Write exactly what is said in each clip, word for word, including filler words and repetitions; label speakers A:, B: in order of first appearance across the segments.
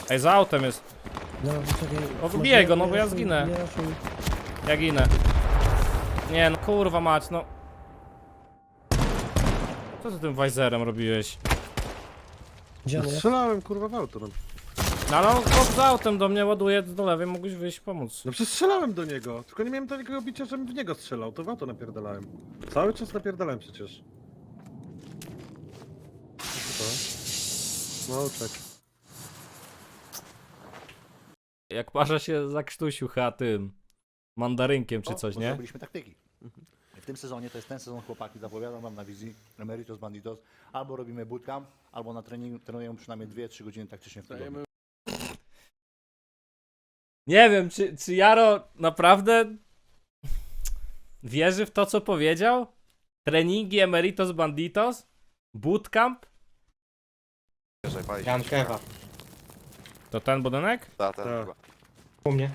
A: Ej, za autem jest.
B: No, czekaj.
A: O, wbijaj go, no bo ja zginę. Ja ginę. Nie no, kurwa mać, no. Co ty tym Weiserem robiłeś?
B: Gdzie on jest?
C: Strzelałem kurwa w auto. No,
A: No ale on chłop za autem do mnie ładuje do lewej, mógłbyś wyjść pomóc.
C: no przecież strzelałem do niego, tylko nie miałem takiego bicia, żebym w niego strzelał, to w auto napierdalałem. Cały czas napierdalałem przecież. Co to? No czek.
A: Jak parza się zakrztusił chyba tym mandarynkiem czy coś,
D: bo
A: nie?
D: Zrobiliśmy taktyki. W tym sezonie, to jest ten sezon, chłopaki, zapowiadam wam na wizji Emeritus Banditos. Albo robimy bootcamp, albo na treningu trenujemy przynajmniej dwie trzy godziny taktycznie w tygodniu.
A: Nie wiem, czy, czy Jaro naprawdę wierzy w to, co powiedział? Treningi Emeritos Banditos? Bootcamp?
E: Ja mam kewa.
A: To ten budynek?
E: Ta, ta,
C: Tak.
E: chyba.
B: U mnie.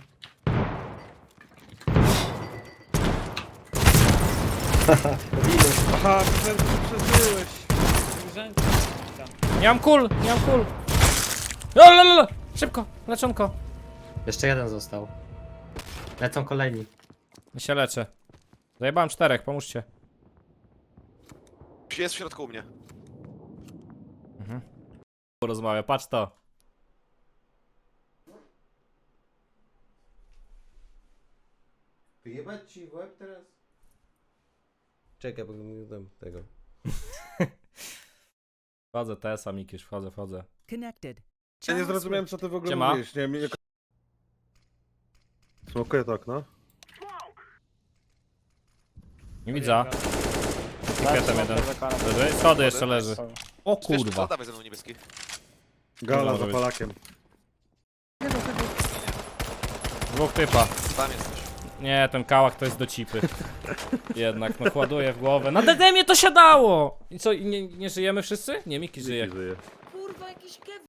C: Aha, przeżyłeś.
A: Nie mam kul, nie mam kul. Lalalala. Szybko, leczonko.
B: Jeszcze jeden został. Lecą kolejni.
A: Ja się leczę. Zajebałem czterech, pomóżcie.
E: Jest w środku u mnie.
A: Porozmawia, patrz to.
F: Wyjebać ci w łeb teraz? Czekaj, bo mi dam tego.
A: Wchodzę, Tesa, Mikisz, wchodzę, wchodzę.
G: Connected.
C: Ja nie zrozumiałem co ty w ogóle
A: Siema.
C: mówiłeś, nie wiem jak... Smokuję to okno.
A: Nie widzę. Kwiatem jeden. Leży. Schody jeszcze leży. O
E: Kurwa.
A: kurwa.
E: Dawaj ze mną niebieski.
C: Gala
A: może
C: za
A: być.
C: Polakiem.
A: Dwóch typa.
E: Tam jesteś.
A: Nie, ten kałach to jest do cipy. Jednak, no kładuję w głowę. Na D D mnie to siadało! I co, i nie, nie żyjemy wszyscy? Nie, Miki żyje.
C: Miki żyje.
G: Kurwa, jakiś kew...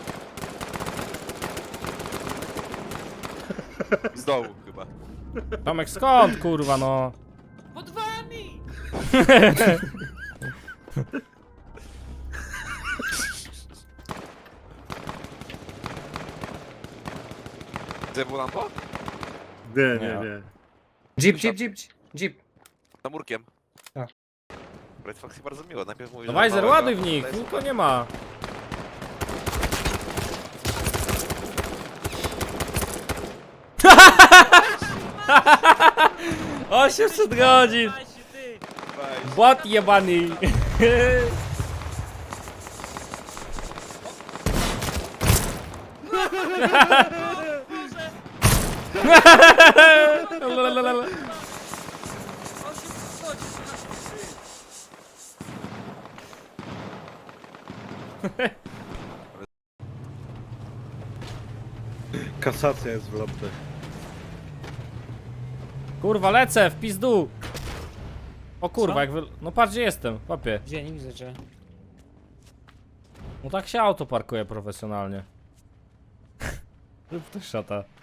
E: Z dołu chyba.
A: Tomek, skąd, kurwa, no?
G: Pod wami!
E: Zjebł lampo?
C: Nie,
A: Nie.
C: nie, nie.
B: Jeep, jeep, jeep, jeep.
E: Za murkiem.
B: Tak.
E: Red Fox bardzo miło. Najpierw mówi,
A: No
E: że
A: Weiser,
E: małego,
A: ładuj w nich,
E: to jest-
A: tylko nie ma. osiemset godzin!
E: Weź.
A: Bot jebany!
C: Kasacja jest w lotce.
A: Kurwa, lecę w pizdu! O kurwa, jak wy... No patrz gdzie jestem, papie.
B: Gdzie? Nie widzę, że...
A: No tak się auto parkuje profesjonalnie. Rób to szata.